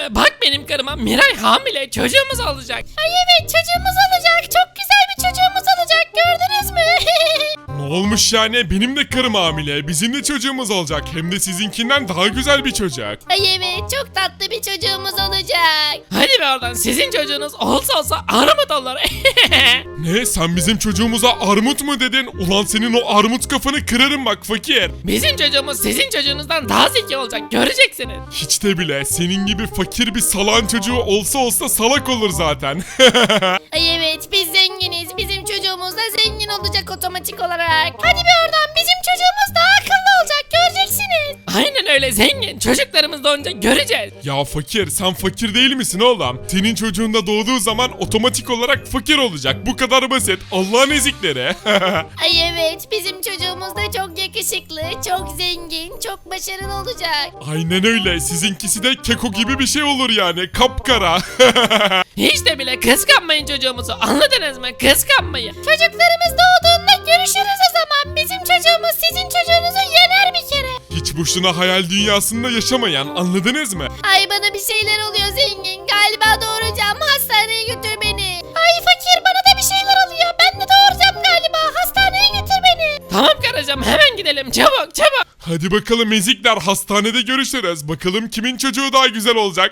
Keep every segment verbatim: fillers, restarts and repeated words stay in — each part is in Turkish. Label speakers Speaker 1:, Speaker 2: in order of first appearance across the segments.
Speaker 1: be, bak benim karıma, Miray hamile, çocuğumuz olacak.
Speaker 2: Ay evet, çocuğumuz olacak. Çok güzel bir çocuğumuz olacak, gördünüz mü?
Speaker 3: Ne olmuş yani? Benim de karım hamile. Bizim de çocuğumuz olacak. Hem de sizinkinden daha güzel bir çocuk.
Speaker 2: Ay evet, çok tatlı bir çocuğumuz olacak.
Speaker 1: Hadi be oradan, sizin çocuğunuz olsa olsa armut olur.
Speaker 3: Ne? Sen bizim çocuğumuza armut mu dedin? Ulan senin o armut kafanı kırarım bak fakir.
Speaker 1: Bizim çocuğumuz sizin çocuğunuzdan daha zeki olacak, göreceksiniz.
Speaker 3: Hiç de bile senin gibi fakir bir salağın çocuğu olsa olsa salak olur zaten.
Speaker 2: Ay evet, biz zenginiz. Bizim çocuğumuz da zengin olacak otomatik olarak. Hadi bir oradan, bizim çocuğumuz daha akıllı olacak, göreceksiniz.
Speaker 1: Aynen öyle, zengin. Çocuklarımız doğunca göreceğiz.
Speaker 3: Ya fakir, sen fakir değil misin oğlum? Senin çocuğun da doğduğu zaman otomatik olarak fakir olacak. Bu kadar basit. Allah'ın ezikleri.
Speaker 2: Ay evet, bizim çocuğumuz da çok yakışıklı, çok zengin, çok başarılı olacak.
Speaker 3: Aynen öyle. Sizinkisi de keko gibi bir şey olur yani. Kapkara.
Speaker 1: Hiç de bile kıskanmayın çocuğumuzu, anladınız mı? Kıskanmayın.
Speaker 2: Çocuklarımız doğduğunda görüşürüz o zaman. Bizim çocuğumuz sizin çocuğunuzu yener bir kere.
Speaker 3: Hiç boşuna hayal dünyasında yaşamayan, anladınız mı?
Speaker 2: Ay bana bir şeyler oluyor zengin. Galiba doğuracağım. Hastaneye götür beni. Ay fakir, bana da bir şeyler oluyor. Ben de doğuracağım galiba. Hastaneye götür beni.
Speaker 1: Tamam karıcığım, hemen gidelim, çabuk çabuk.
Speaker 3: Hadi bakalım ezikler, hastanede görüşürüz. Bakalım kimin çocuğu daha güzel olacak.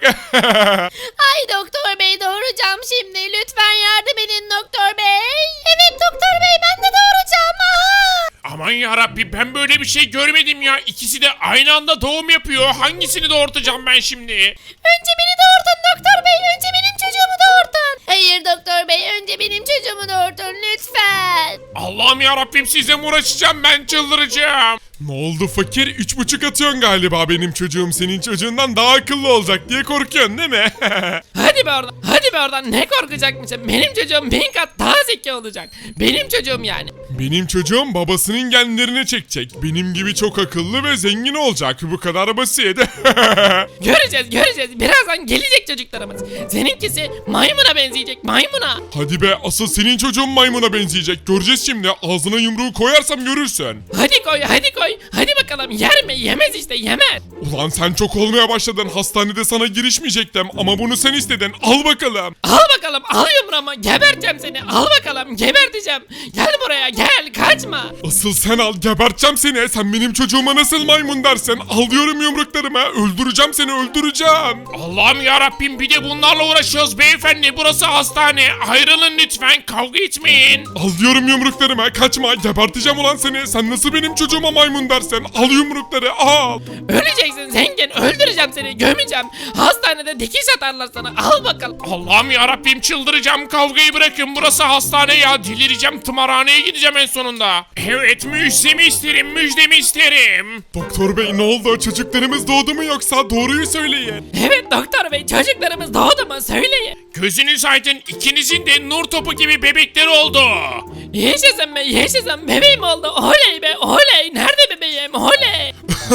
Speaker 2: Ay doktor bey, doğuracağım şimdi. Lütfen yardım edin doktor bey. Evet doktor bey, ben de doğuracağım. Aha.
Speaker 4: Aman yarabbi, ben böyle bir şey görmedim ya. İkisi de aynı anda doğum yapıyor. Hangisini doğurtacağım ben şimdi?
Speaker 2: Önce beni doğurtun doktor bey. Önce benim çocuğumu doğurtun. Hayır doktor bey, önce benim çocuğumu doğurtun lütfen.
Speaker 4: Allah'ım yarabbim, sizle mi uğraşacağım, ben çıldıracağım.
Speaker 3: Ne oldu fakir? Üç buçuk atıyorsun galiba, benim çocuğum senin çocuğundan daha akıllı olacak diye korkuyorsun değil mi?
Speaker 1: Hadi be oradan, hadi be oradan, ne korkacakmışım? Benim çocuğum bin kat daha zeki olacak. Benim çocuğum yani.
Speaker 3: Benim çocuğum babasının genlerini çekecek. Benim gibi çok akıllı ve zengin olacak. Bu kadar basit.
Speaker 1: Göreceğiz, göreceğiz. Birazdan gelecek çocuklarımız. Seninkisi maymuna benzeyecek, maymuna.
Speaker 3: Hadi be, asıl senin çocuğun maymuna benzeyecek. Göreceğiz şimdi. Ağzına yumruğu koyarsam görürsün.
Speaker 1: Hadi koy, hadi koy. Hadi bakalım, yer mi? Yemez işte, yemez.
Speaker 3: Ulan sen çok olmaya başladın. Hastanede sana girişmeyecektim ama bunu sen istedin. Al bakalım.
Speaker 1: Al bakalım, al yumruğumu, geberteceğim seni. Al bakalım, geberteceğim. Gel buraya, gel, kaçma.
Speaker 3: Asıl sen al, geberteceğim seni. Sen benim çocuğuma nasıl maymun dersin? Alıyorum yumruklarımı. Öldüreceğim seni, öldüreceğim.
Speaker 4: Allah'ım yarabbim, bir de bunlarla uğraşıyoruz beyefendi. Burası hastane. Ayrılın lütfen, kavga etmeyin.
Speaker 3: Alıyorum yumruklarımı. Kaçma, geberteceğim ulan seni. Sen nasıl benim çocuğuma maymun dersin? Al yumrukları, al.
Speaker 1: Öleceksin zengin, öldüreceğim seni, gömeceğim. Hastanede dikiş atarlar sana, al bakalım.
Speaker 4: Allah'ım yarabbim, çıldıracağım, kavgayı bırakın. Burası hastane ya, delireceğim, tımarhaneye gideceğim en sonunda. Evet, müjdemi isterim, müjdemi isterim.
Speaker 3: Doktor bey, ne oldu? Çocuklarımız doğdu mu yoksa? Doğruyu söyleyin.
Speaker 1: Evet doktor bey, çocuklarımız doğdu mu? Söyleyin.
Speaker 4: Gözünüz aydın, ikinizin de nur topu gibi bebekleri oldu.
Speaker 1: Yaşasın be, yaşasın, bebeğim oldu. Oley be, oley. Nerede bebeğim? Oley.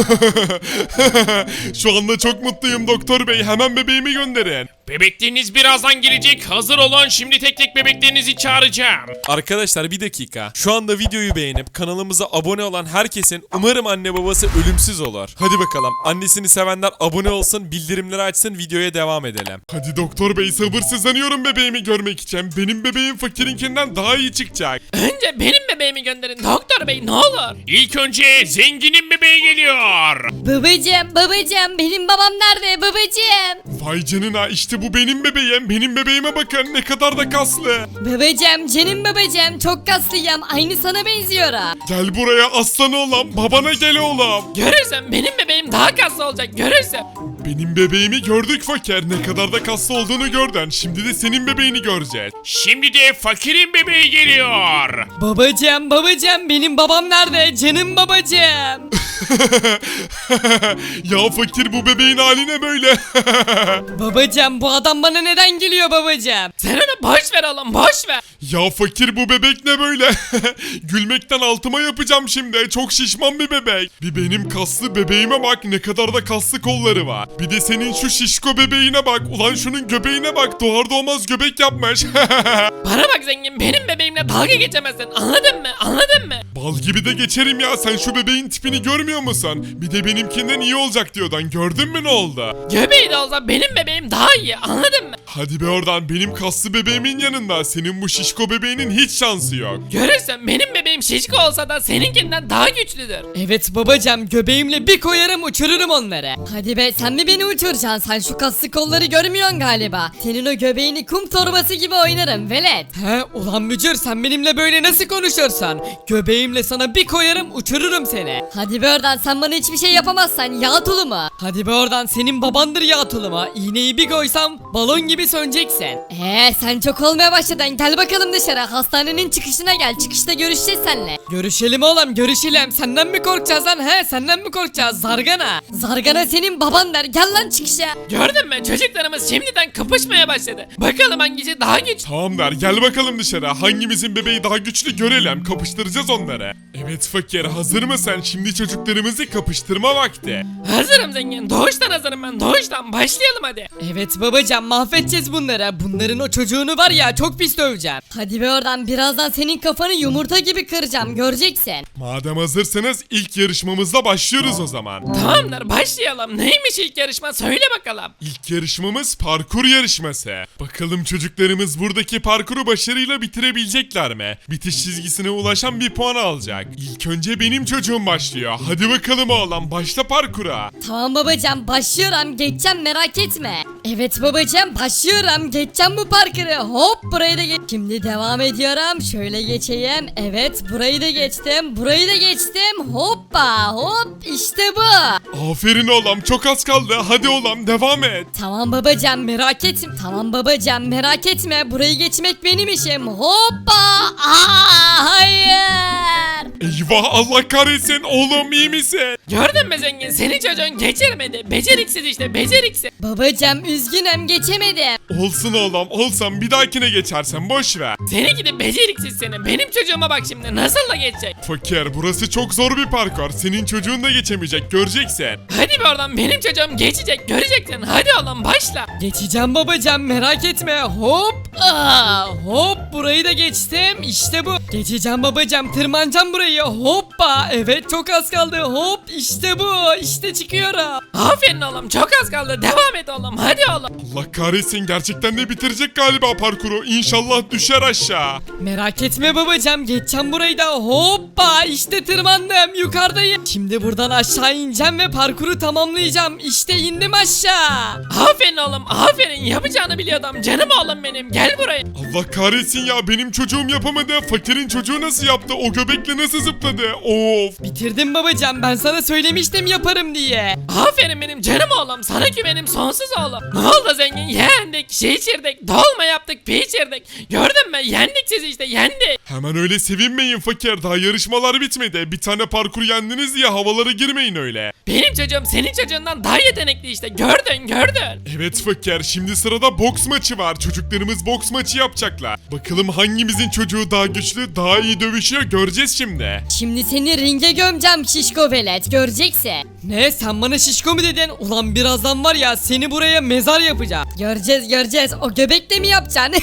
Speaker 3: Şu anda çok mutluyum doktor bey. Hemen bebeğimi gönderin.
Speaker 4: Bebekleriniz birazdan gelecek. Hazır olun. Şimdi tek tek bebeklerinizi çağıracağım.
Speaker 5: Arkadaşlar bir dakika. Şu anda videoyu beğenip kanalımıza abone olan herkesin umarım anne babası ölümsüz olur. Hadi bakalım. Annesini sevenler abone olsun, bildirimleri açsın, videoya devam edelim.
Speaker 3: Hadi doktor bey, sabırsızlanıyorum bebeğimi görmek için. Benim bebeğim fakirinkinden daha iyi çıkacak.
Speaker 1: Önce benim bebeğimi gönderin doktor bey, ne olur.
Speaker 4: İlk önce zenginin bebeği geliyor.
Speaker 2: Babacım, babacım, benim babam nerede babacım?
Speaker 3: Vay canına, işte bu benim bebeğim. Benim bebeğime bakın, ne kadar da kaslı.
Speaker 2: Babacım, canım babacım, çok kaslıyım, aynı sana benziyorum.
Speaker 3: Gel buraya aslan oğlum, babana gel oğlum.
Speaker 1: Görürsen benim bebeğim daha kaslı olacak, görürsen.
Speaker 3: Benim bebeğimi gördük fakir. Ne kadar da kaslı olduğunu gördün. Şimdi de senin bebeğini göreceğiz.
Speaker 4: Şimdi de fakirin bebeği geliyor.
Speaker 6: Babacım, babacım, benim babam nerede? Canım babacım.
Speaker 3: Ya fakir, bu bebeğin hali ne böyle?
Speaker 6: Babacım, bu adam bana neden geliyor babacım?
Speaker 1: Sen onu boş ver oğlum, boş ver.
Speaker 3: Ya fakir, bu bebek ne böyle? Gülmekten altıma yapacağım şimdi. Çok şişman bir bebek. Bir benim kaslı bebeğime bak, ne kadar da kaslı kolları var. Bir de senin şu şişko bebeğine bak. Ulan şunun göbeğine bak. doğar doğmaz göbek yapmış.
Speaker 1: Bana bak zengin, benim bebeğimle dalga geçemezsin, anladın mı? Anladın mı?
Speaker 3: Bal gibi de geçerim ya, sen şu bebeğin tipini görmüyor musun? Bir de benimkinden iyi olacak diyordun, gördün mü ne oldu?
Speaker 1: Göbeği de olsa benim bebeğim daha iyi, anladın mı?
Speaker 3: Hadi be oradan, benim kaslı bebeğimin yanında senin bu şişko bebeğinin hiç şansı yok.
Speaker 1: Görürsün, benim bebeğim şişko olsa da seninkinden daha güçlüdür.
Speaker 6: Evet babacım, göbeğimle bir koyarım uçururum onları.
Speaker 2: Hadi be, sen mi beni uçuracaksın? Sen şu kaslı kolları görmüyorsun galiba. Senin o göbeğini kum torbası gibi oynarım velet.
Speaker 6: He ulan mücür, sen benimle böyle nasıl konuşursan? Göbeğimle sana bir koyarım uçururum seni.
Speaker 2: Hadi be oradan, sen bana hiçbir şey yapamazsan yağ tulumu.
Speaker 6: Hadi be oradan, senin babandır ya tuluma. İğneyi bir koysam balon gibi söneceksin.
Speaker 2: Eee sen çok olmaya başladın, gel bakalım dışarı, hastanenin çıkışına gel, çıkışta görüşeceğiz seninle.
Speaker 6: Görüşelim oğlum, görüşelim. Senden mi korkacağız lan, he? Senden mi korkacağız zargana?
Speaker 2: Zargana senin baban der, gel lan çıkışa.
Speaker 1: Gördün mü, çocuklarımız şimdiden kapışmaya başladı. Bakalım hangisi daha güçlü.
Speaker 3: Tamam der, gel bakalım dışarı, hangimizin bebeği daha güçlü görelim, kapıştıracağız onları. Evet fakir, hazır mısın? Şimdi çocuklarımızı kapıştırma vakti.
Speaker 1: Hazırım zengin, doğuştan hazırım ben, doğuştan. Başlayalım hadi.
Speaker 6: Evet babacığım, mahvedeceğiz bunları. Bunların o çocuğunu var ya, çok pis döveceğim.
Speaker 2: Hadi be oradan, birazdan senin kafanı yumurta gibi kıracağım, göreceksin.
Speaker 3: Madem hazırsanız ilk yarışmamızla başlıyoruz o zaman.
Speaker 1: Tamamdır, başlayalım. Neymiş ilk yarışma, söyle bakalım.
Speaker 3: İlk yarışmamız parkur yarışması. Bakalım çocuklarımız buradaki parkuru başarıyla bitirebilecekler mi? Bitiş çizgisine ulaşan bir puan alacak. İlk önce benim çocuğum başlıyor. Hadi bakalım oğlum, başla parkura.
Speaker 2: Tamam babacığım, başlıyorum, geçeceğim, merak etme. Evet babacığım, başlıyorum, geçeceğim bu parkuru. Hop, burayı da geç. Şimdi devam ediyorum, şöyle geçeyim. Evet, burayı da geçtim, burayı da geçtim. Hoppa hop, işte bu.
Speaker 3: Aferin oğlum, çok az kaldı. Hadi oğlum, devam et.
Speaker 2: Tamam babacığım, merak etme. Tamam babacığım, merak etme, burayı geçmek benim işim. Hoppa. Aa, hayır.
Speaker 3: Eyvah, Allah kahretsin. Oğlum iyi misin?
Speaker 1: Gördün mü zengin, senin çocuğun geçirmedi. Beceriksiz işte, beceriksiz.
Speaker 2: Babacığım üzgünüm, geçemedim.
Speaker 3: Olsun oğlum, olsan bir dahakine geçersen boş ver.
Speaker 1: Seninki de beceriksiz senin. Benim çocuğuma bak şimdi, nasıl da geçecek.
Speaker 3: Fakir, burası çok zor bir parkur. Senin çocuğun da geçemeyecek, göreceksin.
Speaker 1: Hadi bir oradan, benim çocuğum geçecek, göreceksin. Hadi oğlum başla.
Speaker 6: Geçeceğim babacığım, merak etme. Hop. Aa, hop, burayı da geçtim. İşte bu. Geçeceğim babacığım, tırmanacağım burayı. Hoppa. Evet, çok az kaldı. Hop, işte bu. İşte çıkıyorum.
Speaker 1: Aferin oğlum, çok az kaldı. Devam et oğlum, hadi oğlum.
Speaker 3: Allah kahretsin, gerçekten de bitirecek galiba parkuru. İnşallah düşer aşağı.
Speaker 6: Merak etme babacığım, geçeceğim burayı da. Hoppa, işte tırmandım, yukarıdayım. Şimdi buradan aşağı ineceğim ve parkuru tamamlayacağım. İşte indim aşağı.
Speaker 1: Aferin oğlum, aferin. Yapacağını biliyordum. Canım oğlum benim, gel buraya.
Speaker 3: Allah kahretsin ya, benim çocuğum yapamadı. Fakirin çocuğu nasıl yaptı? O göbekle nasıl zıpladı? Of.
Speaker 6: Bitirdim babacığım, ben sana söylemiştim yaparım diye.
Speaker 1: Aferin benim canım oğlum, sana güvenim sonsuz oğlum. Ne oldu zengin, yendik, şey içirdik, dolma yaptık, pi içirdik. Gördün mü, yendik sizi işte, yendik.
Speaker 3: Hemen öyle sevinmeyin fakir, daha yarışmalar bitmedi. Bir tane parkur yendiniz diye havalara girmeyin öyle.
Speaker 1: Benim çocuğum senin çocuğundan daha yetenekli işte, gördün gördün.
Speaker 3: Evet fakir, şimdi sırada boks maçı var. Çocuklarımız boks maçı yapacaklar. Bakalım hangimizin çocuğu daha güçlü, daha iyi dövüşüyor, göreceğiz şimdi.
Speaker 2: Şimdi seni ringe gömeceğim şişko velet, göreceksin.
Speaker 6: Ne, sen bana şişko mu dedin? Ulan birazdan var ya, seni buraya mezar yapacağım.
Speaker 2: Göreceğiz göreceğiz, o göbekle mi yapacaksın?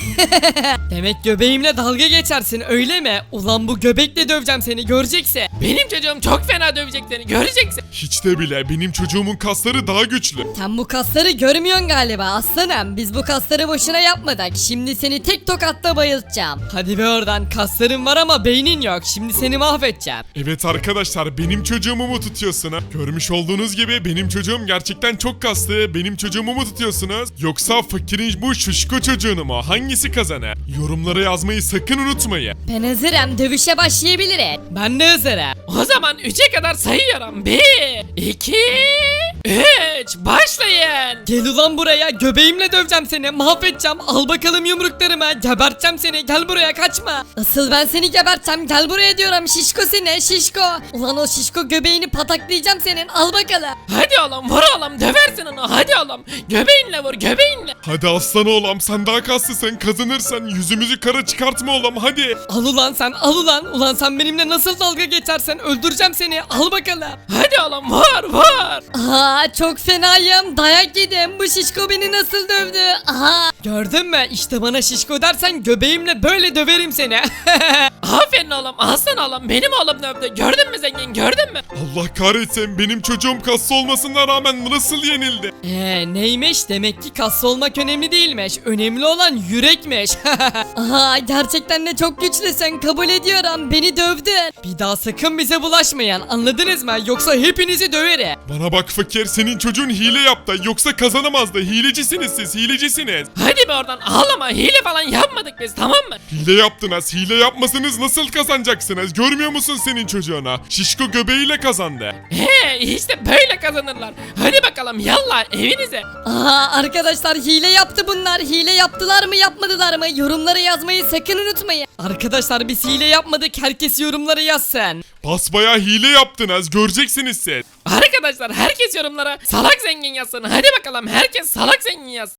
Speaker 6: Demek göbeğimle dalga geçersin öyle mi? Ulan bu göbekle döveceğim seni, göreceksin.
Speaker 1: Benim çocuğum çok fena dövecek seni, göreceksin.
Speaker 3: Hiç de bile, benim çocuğumun kasları daha güçlü.
Speaker 2: Sen bu kasları görmüyorsun galiba aslanım. Biz bu kasları boşuna yapmadık. Şimdi seni tek tokatta bayıltacağım.
Speaker 6: Hadi be oradan, kasların var ama beynin yok. Şimdi seni mahvedeceğim.
Speaker 3: Evet arkadaşlar, benim çocuğumu mu tutuyorsunuz? Görmüş olduğunuz gibi benim çocuğum gerçekten çok kaslı. Benim çocuğumu mu tutuyorsunuz? Yoksa fakirin bu şuşko çocuğunu mu? Hangisi kazanır? Yorumlara yazmayı sakın unutmayın.
Speaker 2: Ben hazırım, dövüşe başlayabiliriz.
Speaker 6: Ben de hazırım.
Speaker 1: O zaman üçe kadar sayıyorum. Bir, iki, üç, başlayın.
Speaker 6: Gel ulan buraya, göbeğimle döveceğim seni, mahvedeceğim. Al bakalım yumruklarımı, geberteceğim seni, gel buraya, kaçma.
Speaker 2: Asıl ben seni geberteceğim, gel buraya diyorum şişko seni şişko. Ulan o şişko göbeğini pataklayacağım senin, al bakalım.
Speaker 1: Hadi oğlum vur oğlum döversin onu hadi oğlum. Göbeğinle vur göbeğinle.
Speaker 3: Hadi aslan oğlum sen daha kaslısın kazanırsan yüzümüzü kara çıkartma oğlum hadi.
Speaker 6: Al ulan sen al ulan. Ulan sen benimle nasıl dalga geçersen öldüreceğim seni. Al bakalım.
Speaker 1: Hadi oğlum vur vur.
Speaker 2: Aa çok fenayım. Dayak yedim. Bu şişko beni nasıl dövdü? Aha.
Speaker 6: Gördün mü? İşte bana şişko dersen göbeğimle böyle döverim seni.
Speaker 1: Aferin oğlum aslan oğlum benim oğlum dövdü. Gördün mü zengin gördün mü?
Speaker 3: Allah kahretsin benim çocuğum kaslı olmasına rağmen nasıl yenildi?
Speaker 6: Eee neymiş? Demek ki kaslı olmak önemli değilmiş. Önemli olan yürekmiş.
Speaker 2: Aha gerçekten de çok güçlüsün. Kabul ediyorum. Beni dövdün.
Speaker 6: Bir daha sakın bize bulaşmayın. Anladınız mı? Yoksa hepinizi döverim.
Speaker 3: Bana bak fakir senin çocuğun hile yaptı yoksa kazanamazdı hilecisiniz siz hilecisiniz.
Speaker 1: Hadi be oradan ağlama hile falan yapmadık biz tamam mı?
Speaker 3: Hile yaptınız hile yapmasanız nasıl kazanacaksınız görmüyor musun senin çocuğuna? Şişko göbeğiyle kazandı.
Speaker 1: He işte böyle kazanırlar. Hadi bakalım yallah evinize.
Speaker 2: Aha arkadaşlar hile yaptı bunlar. Hile yaptılar mı yapmadılar mı? Yorumlara yazmayı sakın unutmayın.
Speaker 6: Arkadaşlar biz hile yapmadık. Herkes yorumlara yazsın.
Speaker 3: Basbayağı hile yaptınız göreceksiniz siz.
Speaker 1: Arkadaşlar herkes yorumlara salak zengin yazsın. Hadi bakalım herkes salak zengin yazsın.